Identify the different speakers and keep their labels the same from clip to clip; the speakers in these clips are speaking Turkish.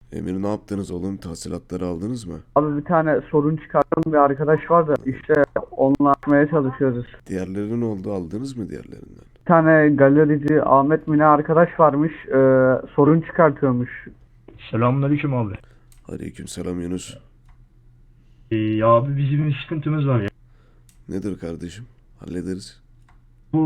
Speaker 1: Emir ne yaptınız oğlum? Tahsilatları aldınız mı?
Speaker 2: Abi bir tane sorun çıkartan bir arkadaş var da işte onunla açmaya çalışıyoruz.
Speaker 1: Diğerleri ne oldu? Aldınız mı diğerlerinden?
Speaker 2: Bir tane galerici Ahmet Mine arkadaş varmış, sorun çıkartıyormuş.
Speaker 3: Selamünaleyküm abi.
Speaker 1: Aleykümselam Yunus.
Speaker 3: Ya abi bizim bir sıkıntımız var ya.
Speaker 1: Nedir kardeşim? Hallederiz.
Speaker 3: Bu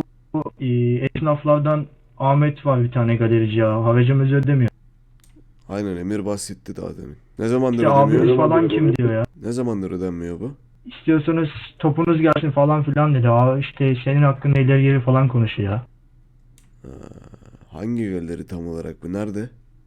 Speaker 3: esnaflardan Ahmet var bir tane galerici ya. Haracımızı ödemiyor.
Speaker 1: Aynen Emir bahsetti daha demin. Ne zamandır
Speaker 3: İşte
Speaker 1: ödemiyor?
Speaker 3: abimiz falan kim diyor ya.
Speaker 1: Ne zamandır ödenmiyor bu?
Speaker 3: İstiyorsanız topunuz gelsin falan filan dedi. Aa işte senin hakkında ileri geri falan konuşuyor ya.
Speaker 1: Ha, hangi galeri tam olarak bu? Nerede?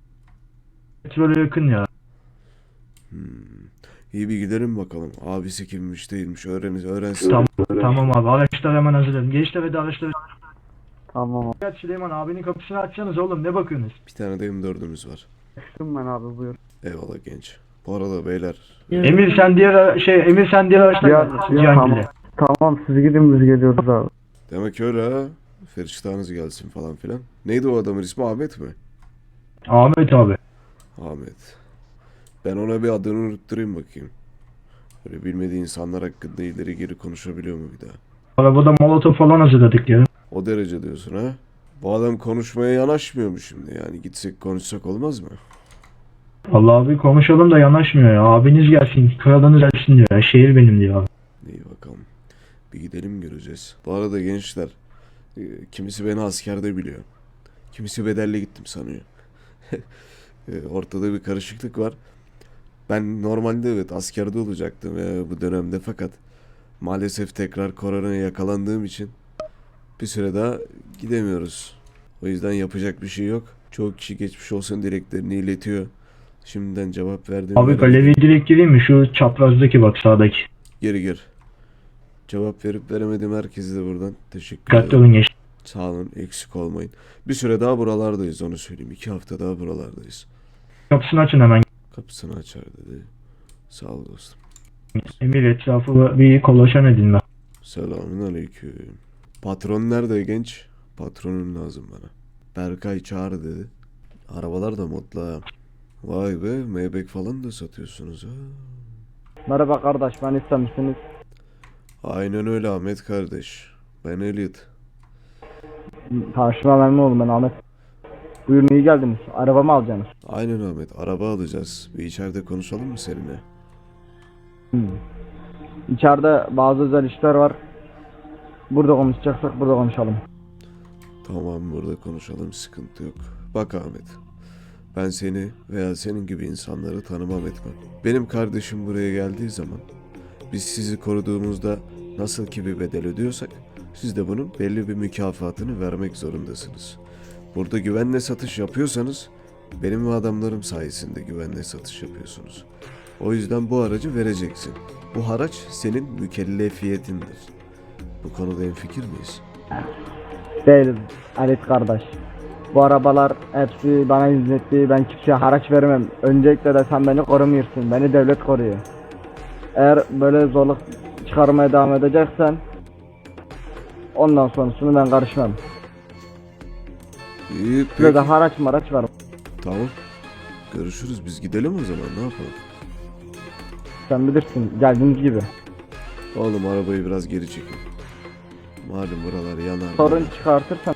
Speaker 3: Petrole yakın ya.
Speaker 1: Hmm. İyi bir gidelim bakalım. Abisi kimmiş değilmiş öğrensin.
Speaker 3: Tamam abi araçları hemen hazırlayın. Gençler hadi araçları.
Speaker 2: Tamam,
Speaker 3: Evet Süleyman abinin kapısını açsanız oğlum ne bakıyorsunuz?
Speaker 1: Bir tane de M4'ümüz var.
Speaker 2: açtım ben abi, buyur.
Speaker 1: Eyvallah genç. Bu arada beyler.
Speaker 3: Emir sen diğer araçla
Speaker 2: Ya,
Speaker 3: gel.
Speaker 2: tamam, tamam, siz gidin, biz geliyoruz abi.
Speaker 1: Demek öyle ha. Feriştahınız gelsin falan filan. Neydi o adamın ismi? Ahmet mi?
Speaker 3: Ahmet abi.
Speaker 1: Ahmet. Ben ona bir adını unutturayım bakayım. Böyle bilmediği insanlar hakkında ileri geri konuşabiliyor mu bir daha?
Speaker 3: Arabada molotof falan hazırladık ya.
Speaker 1: O derece diyorsun ha? Bu adam konuşmaya yanaşmıyor mu şimdi? Yani gitsek konuşsak olmaz mı?
Speaker 3: Vallahi abi konuşalım da yanaşmıyor ya. Abiniz gelsin, kralınız gelsin diyor ya. Şehir benim diyor abi.
Speaker 1: İyi bakalım. Bir gidelim göreceğiz. Bu arada gençler, kimisi beni askerde biliyor. Kimisi bedelli gittim sanıyor. Ortada bir karışıklık var. Ben normalde evet askerde olacaktım bu dönemde fakat maalesef tekrar koronaya yakalandığım için bir süre daha gidemiyoruz. O yüzden yapacak bir şey yok. Çoğu kişi geçmiş olsun dileklerini iletiyor. Şimdiden cevap verdim.
Speaker 3: Abi galeriye direkt gireyim mi? Şu çaprazdaki bak sağdaki.
Speaker 1: Geri gir. Cevap verip veremedim herkese de buradan teşekkür
Speaker 3: Dikkatli
Speaker 1: ederim.
Speaker 3: olun gençler.
Speaker 1: Sağ olun, eksik olmayın. Bir süre daha buralardayız, onu söyleyeyim. 2 hafta daha buralardayız.
Speaker 3: Kapısını açın hemen.
Speaker 1: Kapısını açar dedi. Sağ ol dostum.
Speaker 3: Emir etrafı bir kolaçan edin ben.
Speaker 1: Selamün aleyküm. Patron nerede genç? Patronun lazım bana. Berkay çağır dedi. Arabalar da modla ha. Vay be, Maybach falan da satıyorsunuz ha.
Speaker 2: Merhaba kardeş, ben istemişsiniz.
Speaker 1: Aynen öyle Ahmet kardeş. Ben Elliot.
Speaker 2: Tanışma memnun oldum, ben Ahmet. Buyurun, iyi geldiniz. Araba mı alacaksınız?
Speaker 1: Aynen Ahmet, araba alacağız. Bir içeride konuşalım mı seninle?
Speaker 2: İçeride bazı özel işler var. Burada konuşacaksak burada konuşalım.
Speaker 1: Tamam, burada konuşalım, sıkıntı yok. Bak Ahmet, ben seni veya senin gibi insanları tanımam etmem. Benim kardeşim buraya geldiği zaman biz sizi koruduğumuzda nasıl ki bir bedel ödüyorsak siz de bunun belli bir mükafatını vermek zorundasınız. Burada güvenle satış yapıyorsanız benim ve adamlarım sayesinde güvenle satış yapıyorsunuz. O yüzden bu aracı vereceksin. Bu haraç senin mükellefiyetindir. Bu konuda hemfikir miyiz?
Speaker 2: Değiliz Halit kardeş. Bu arabalar hepsi bana hizmetli. Ben kimseye haraç vermem. Öncelikle de sen beni korumuyorsun. Beni devlet koruyor. Eğer böyle zorluk çıkarmaya devam edeceksen ondan sonrasını ben karışmam.
Speaker 1: İyi
Speaker 2: Size
Speaker 1: peki.
Speaker 2: de haraç maraç var.
Speaker 1: Tamam. Görüşürüz. Biz gidelim o zaman. Ne yapalım?
Speaker 2: Sen bilirsin, geldiğiniz gibi.
Speaker 1: Oğlum arabayı biraz geri çekin. Malum buralar yanar.
Speaker 2: Sorun çıkartırsan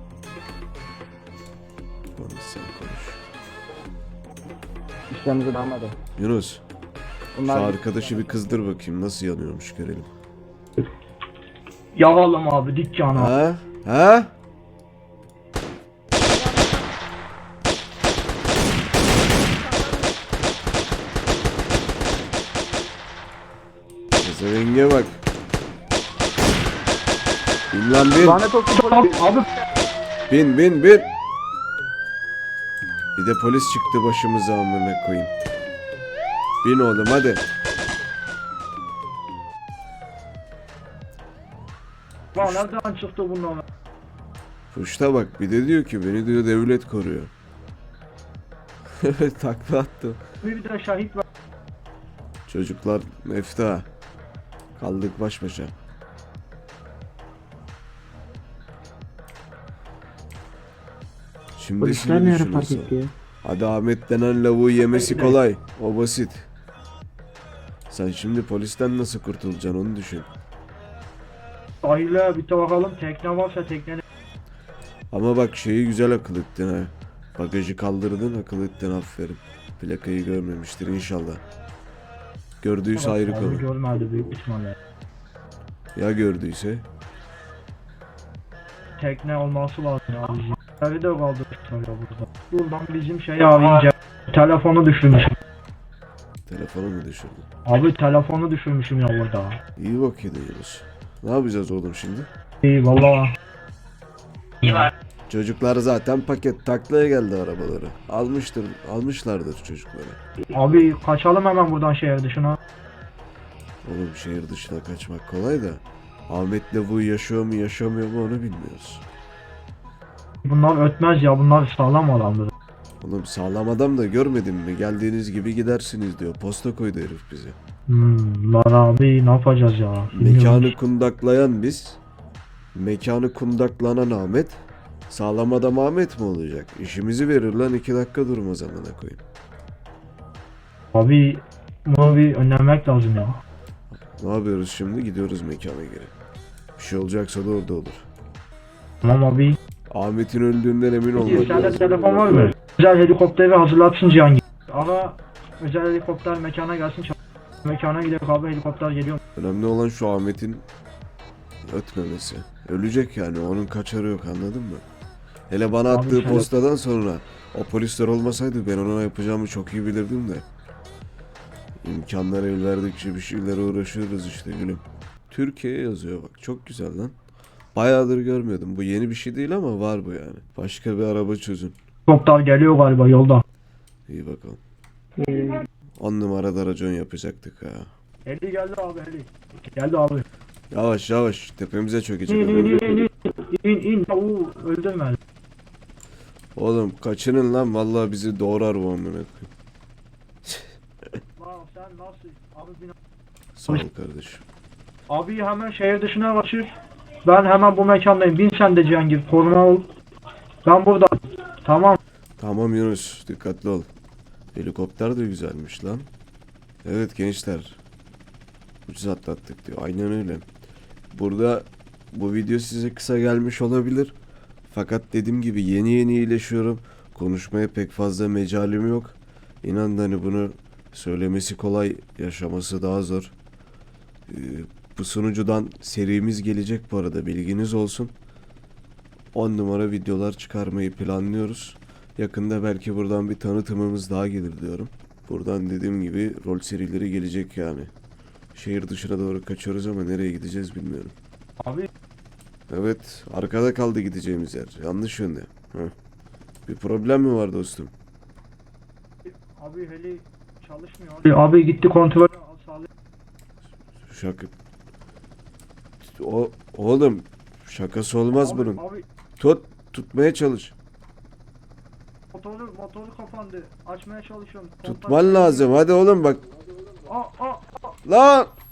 Speaker 1: Konuş sen konuş.
Speaker 2: işlemimize devam edelim.
Speaker 1: Yunus. Şu
Speaker 2: Bunlar
Speaker 1: arkadaşı bir kızdır bakayım. Nasıl yanıyormuş görelim.
Speaker 3: Yavalım abi dükkanı.
Speaker 1: Ha? Ha? Pezevenge bak. Bin lan bin.
Speaker 2: lanet olsun polis.
Speaker 3: Abi
Speaker 1: Bin bin bin. Bir de polis çıktı başımıza amına koyayım. Bin oğlum hadi.
Speaker 3: lan nereden çıktı bunlar?
Speaker 1: Puşta bak bir de diyor ki beni diyor devlet koruyor. Takla attı.
Speaker 3: Bir de şahit var.
Speaker 1: Çocuklar mefta. Kaldık baş başa. Şimdi
Speaker 4: Polisler ne ara fark etti ya?
Speaker 1: Hadi Ahmet denen lavuğu yemesi kolay. O basit. Sen şimdi polisten nasıl kurtulacaksın onu düşün.
Speaker 3: Sahile bir de bakalım tekne varsa teknenin.
Speaker 1: Ama bak şeyi güzel akıl ettin ha. Bagajı kaldırdın, akıl ettin, aferin. Plakayı görmemiştir inşallah. Gördüyse ayrı
Speaker 3: Abi
Speaker 1: konu.
Speaker 3: görmedi büyük ihtimalle.
Speaker 1: Ya gördüyse?
Speaker 3: Tekne olması lazım ya bizim. Evi de kaldırmışlar ya burada. Buradan bizim şey abi ince. Telefonu düşürmüşüm.
Speaker 1: Telefonu mu düşürdün?
Speaker 3: Abi telefonu düşürmüşüm ya burada.
Speaker 1: İyi bak ediyoruz. Ne yapacağız oğlum şimdi?
Speaker 3: İyi valla.
Speaker 1: Çocuklar zaten paket taklaya geldi arabaları. Almışlardır çocukları.
Speaker 3: Abi kaçalım hemen buradan şehir dışına.
Speaker 1: Oğlum şehir dışına kaçmak kolay da Ahmet'le bu yaşıyor mu yaşamıyor mu onu bilmiyoruz.
Speaker 3: Bunlar ötmez ya, bunlar sağlam adamdır.
Speaker 1: Oğlum sağlam adam da görmedin mi? Geldiğiniz gibi gidersiniz diyor. Posta koydu herif bize.
Speaker 3: Lan abi ne yapacağız ya? Bilmiyorum.
Speaker 1: Mekanı kundaklayan biz. Mekanı kundaklanan Ahmet. Sağlam adam Ahmet mi olacak? İşimizi verir lan 2 dakika durmaz amına koyayım.
Speaker 3: Abi bunu bir önlemek lazım ya.
Speaker 1: Ne yapıyoruz şimdi? Gidiyoruz mekana geri. Bir şey olacaksa da orada olur.
Speaker 3: Tamam abi.
Speaker 1: Ahmet'in öldüğünden emin olmak
Speaker 3: Sende
Speaker 1: lazım.
Speaker 3: telefon var mı? Özel helikopteri hazırlatsın Cihangir. Ama özel helikopter mekana gelsin. Mekana gidelim abi, helikopter geliyor.
Speaker 1: Önemli olan şu Ahmet'in ötmemesi. Ölecek yani, onun kaçarı yok, anladın mı? Hele bana
Speaker 3: Abi
Speaker 1: attığı
Speaker 3: şöyle-
Speaker 1: postadan sonra o polisler olmasaydı ben ona yapacağımı çok iyi bilirdim de. İmkanlar el verdikçe bir şeylere uğraşıyoruz işte gülüm. Türkiye yazıyor bak, çok güzel lan. Bayağıdır görmüyordum. Bu yeni bir şey değil ama var bu yani. Başka bir araba çözün.
Speaker 3: Helikopter geliyor galiba yolda.
Speaker 1: İyi bakalım. 10 numarada racon yapacaktık ha.
Speaker 3: Heli geldi abi, heli. Geldi abi.
Speaker 1: Yavaş yavaş tepemize çökecek.
Speaker 3: İn
Speaker 1: adam.
Speaker 3: in in in in in. Oo, öldürme.
Speaker 1: Oğlum kaçının lan, vallahi bizi doğrar bu amına koyayım.
Speaker 3: Lan sen nasıl? Abi bin.
Speaker 1: Sağ ol kardeşim.
Speaker 3: Abi hemen şehir dışına kaçır. Ben hemen bu mekandayım. Bin sen de Cihangir. Koruma ol. Ben burada. Tamam.
Speaker 1: Tamam Yunus, dikkatli ol. Helikopter de güzelmiş lan. Evet gençler. Ucuz atlattık diyor. Aynen öyle. Burada bu video size kısa gelmiş olabilir. Fakat dediğim gibi yeni yeni iyileşiyorum. Konuşmaya pek fazla mecalim yok. İnan hani bunu söylemesi kolay, yaşaması daha zor. Bu sunucudan serimiz gelecek bu arada, bilginiz olsun. 10 numara videolar çıkarmayı planlıyoruz. Yakında belki buradan bir tanıtımımız daha gelir diyorum. Buradan dediğim gibi rol serileri gelecek yani. Şehir dışına doğru kaçıyoruz ama nereye gideceğiz bilmiyorum.
Speaker 3: Abi
Speaker 1: Evet, arkada kaldı gideceğimiz yer. Yanlış yönde. Heh. Bir problem mi var dostum?
Speaker 3: Abi heli çalışmıyor. Abi gitti kontrol.
Speaker 1: Şaka. Oğlum şakası olmaz bunun.
Speaker 3: Abi
Speaker 1: Tutmaya çalış.
Speaker 3: motoru kapandı. Açmaya çalışıyorum.
Speaker 1: Tutman lazım. Hadi oğlum bak.
Speaker 3: Aa.
Speaker 1: Lan!